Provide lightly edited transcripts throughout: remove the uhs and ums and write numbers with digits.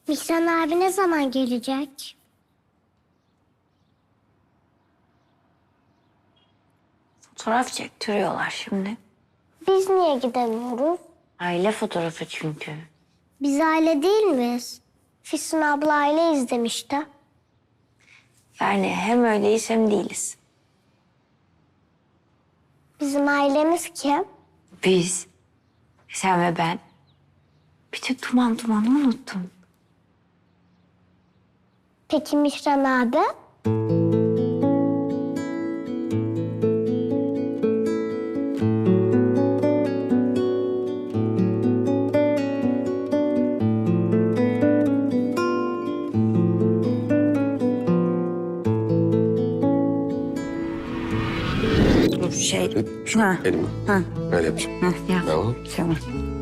Mihran abi ne zaman gelecek? Fotoğraf çektiriyorlar şimdi. Biz niye gidemiyoruz? Aile fotoğrafı çünkü. Biz aile değil miyiz? Füsun abla aile izlemişti. Yani hem öyleyiz hem değiliz. Bizim ailemiz kim? Biz, sen ve ben. Bir de dumanı unuttum. Peki Mihran abi? Dur Şu Ha. elimi. Ha. Öyle yapacağım. Ha, ya. Tamam. Tamam.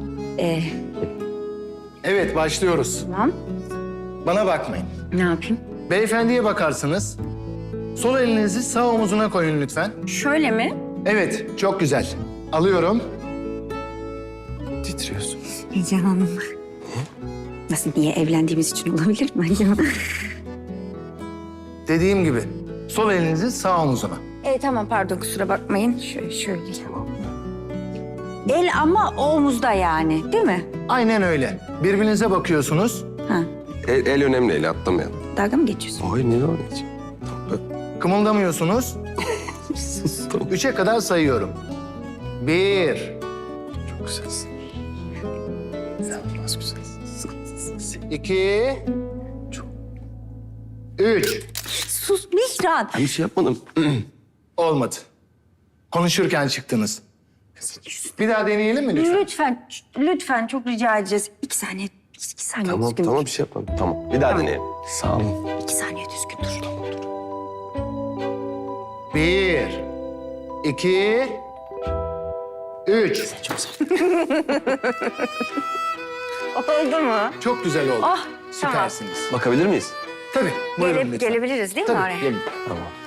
Evet, başlıyoruz. Tamam. Bana bakmayın. Ne yapayım? Beyefendiye bakarsınız. Sol elinizi sağ omuzuna koyun lütfen. Şöyle mi? Evet, çok güzel. Alıyorum. Titriyorsun. Heyecanlandım. Nasıl, niye evlendiğimiz için olabilir mi acaba? Dediğim gibi, sol elinizi sağ omuzuna. Tamam, pardon, kusura bakmayın. Şöyle. El ama omuzda yani, değil mi? Aynen öyle. Birbirinize bakıyorsunuz. Ha. El önemli, eli atlamayalım. Dalga mı geçiyorsun? Hayır, ne öyle hiç? Kımıldamıyorsunuz. Sus, tamam. 3'e kadar sayıyorum. 1, Çok güzelsin. İnanılmaz güzelsin. 2, 3. Sus Mihran. Ben bir şey yapmadım. Olmadı. Konuşurken çıktınız. Bir daha deneyelim mi lütfen? Lütfen çok rica edeceğiz. 2 saniye, 2 saniye Tamam, düzgün tamam dur. bir şey yapmadım. Tamam, bir daha deneyelim. Sağ olun. 2 saniye düzgün dur. 1, 2, 3. Oldu mu? Çok güzel oldu. Oh, Süpersiniz. Bakabilir miyiz? Tabii, buyurun lütfen. Gelebiliriz değil mi Tabii, oraya? gelin. Tamam.